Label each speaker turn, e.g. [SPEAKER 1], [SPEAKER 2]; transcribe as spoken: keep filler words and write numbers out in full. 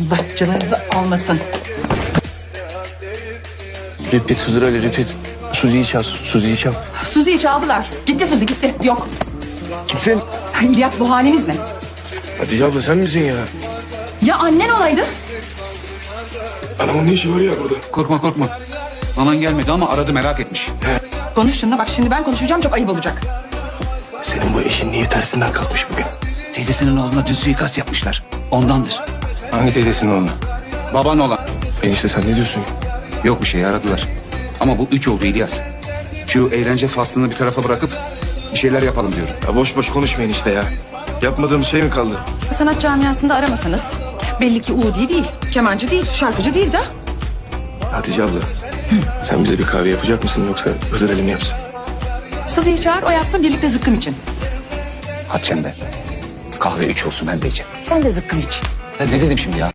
[SPEAKER 1] Allah canınızı almasın.
[SPEAKER 2] Repeat Hızır Ali repeat. Suzi'yi çal, Suzi'yi çal.
[SPEAKER 1] Suzi'yi çaldılar. Gitti Suzi gitti. Yok.
[SPEAKER 2] Kimsin?
[SPEAKER 1] İlyas bu haliniz ne?
[SPEAKER 2] Hatice abla sen misin ya?
[SPEAKER 1] Ya annen olaydı?
[SPEAKER 2] Anamın ne işi var ya burada?
[SPEAKER 3] Korkma korkma. Anan gelmedi ama aradı, merak etmiş.
[SPEAKER 1] Konuş şimdi bak, şimdi ben konuşacağım, çok ayıp olacak.
[SPEAKER 2] Senin bu işin niye tersinden kalkmış bugün?
[SPEAKER 3] Teyzesinin oğluna dün suikast yapmışlar. Ondandır.
[SPEAKER 2] Hangi teyzesinin oğlu?
[SPEAKER 3] Baban olan.
[SPEAKER 2] Enişte sen ne diyorsun ya?
[SPEAKER 3] Yok bir şey, aradılar. Ama bu üç oldu İlyas. Şu eğlence faslını bir tarafa bırakıp bir şeyler yapalım diyorum.
[SPEAKER 2] Ya boş boş konuşmayın işte ya. Yapmadığımız şey mi kaldı?
[SPEAKER 1] Sanat camiasında aramasanız. Belli ki Udi değil, kemancı değil, şarkıcı değil de.
[SPEAKER 2] Hatice abla. Sen bize bir kahve yapacak mısın yoksa Hızır Ali mi yapsın?
[SPEAKER 1] Suzi'yi çağır, o yapsın, birlikte zıkkım için.
[SPEAKER 3] Hadi sen be. Kahve üç olsun, ben de içeceğim.
[SPEAKER 1] Sen de zıkkım iç.
[SPEAKER 3] Ya ne dedim şimdi ya?